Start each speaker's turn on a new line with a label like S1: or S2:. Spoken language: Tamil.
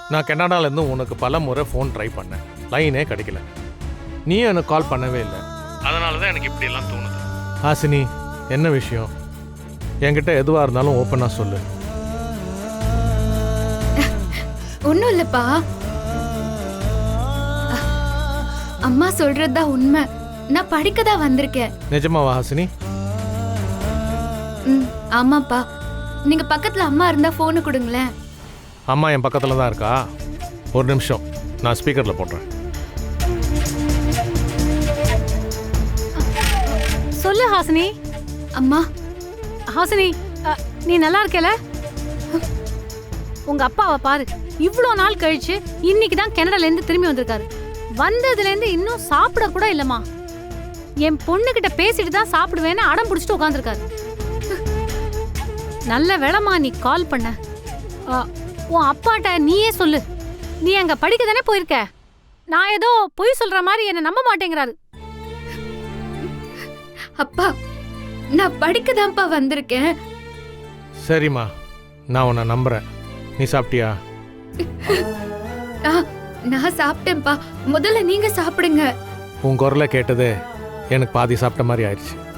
S1: நான் கனடாலேருந்து உனக்கு பல முறை ஃபோன் ட்ரை பண்ணேன், லைனே கிடைக்கல. நீயும் எனக்கு கால் பண்ணவே இல்லை. அதனால தான் எனக்கு இப்படியெல்லாம் தோணுது. ஹாசினி, என்ன விஷயம்? என்கிட்ட எதுவாக இருந்தாலும் ஓப்பனாக சொல்லு.
S2: ஒன்றும் இல்லைப்பா, அம்மா சொல்றதுதான் உண்மை. நான் படிக்க தான் வந்திருக்கேன்.
S1: நிஜமாவா ஹாசினி?
S2: ஆமாப்பா. நீங்க பக்கத்துல அம்மா இருந்தா போனு கொடுங்களேன்.
S1: அம்மா என் பக்கத்தில் தான் இருக்கா. ஒரு நிமிஷம், நான் ஸ்பீக்கரில் போடுறேன்.
S3: சொல்லு ஹாசினி.
S2: அம்மா.
S3: ஹாசினி, நீ நல்லா இருக்கல? உங்க அப்பாவை பாரு, இவ்வளோ நாள் கழிச்சு இன்னைக்கு தான் கனடாலேருந்து திரும்பி வந்திருக்காரு. வந்ததுலேருந்து இன்னும் சாப்பிட கூட இல்லைம்மா. என் பொண்ணுகிட்ட பேசிட்டு தான் சாப்பிடுவேன்னு அடம் பிடிச்சிட்டு உட்காந்துருக்காரு. நல்ல வேளைம்மா நீ கால் பண்ண. உன் அப்பாட்ட நீயே சொல்லு, நீ அங்க படிக்க தானே போயிருக்க. நான் ஏதோ பொய் சொல்ற மாதிரி என்ன நம்ப மாட்டேங்கிறாரு.
S2: அப்பா, நான் படிக்க தான்ப்பா வந்திருக்கேன்.
S1: சரிம்மா, நான் உன்னை நம்புறேன். நீ சாப்பிட்டியா?
S2: நான் சாப்பிட்டேன்ப்பா. முதல்ல நீங்க சாப்பிடுங்க.
S1: உன் குரலை கேட்டது எனக்கு பாதி சாப்பிட்ட மாதிரி ஆயிடுச்சு.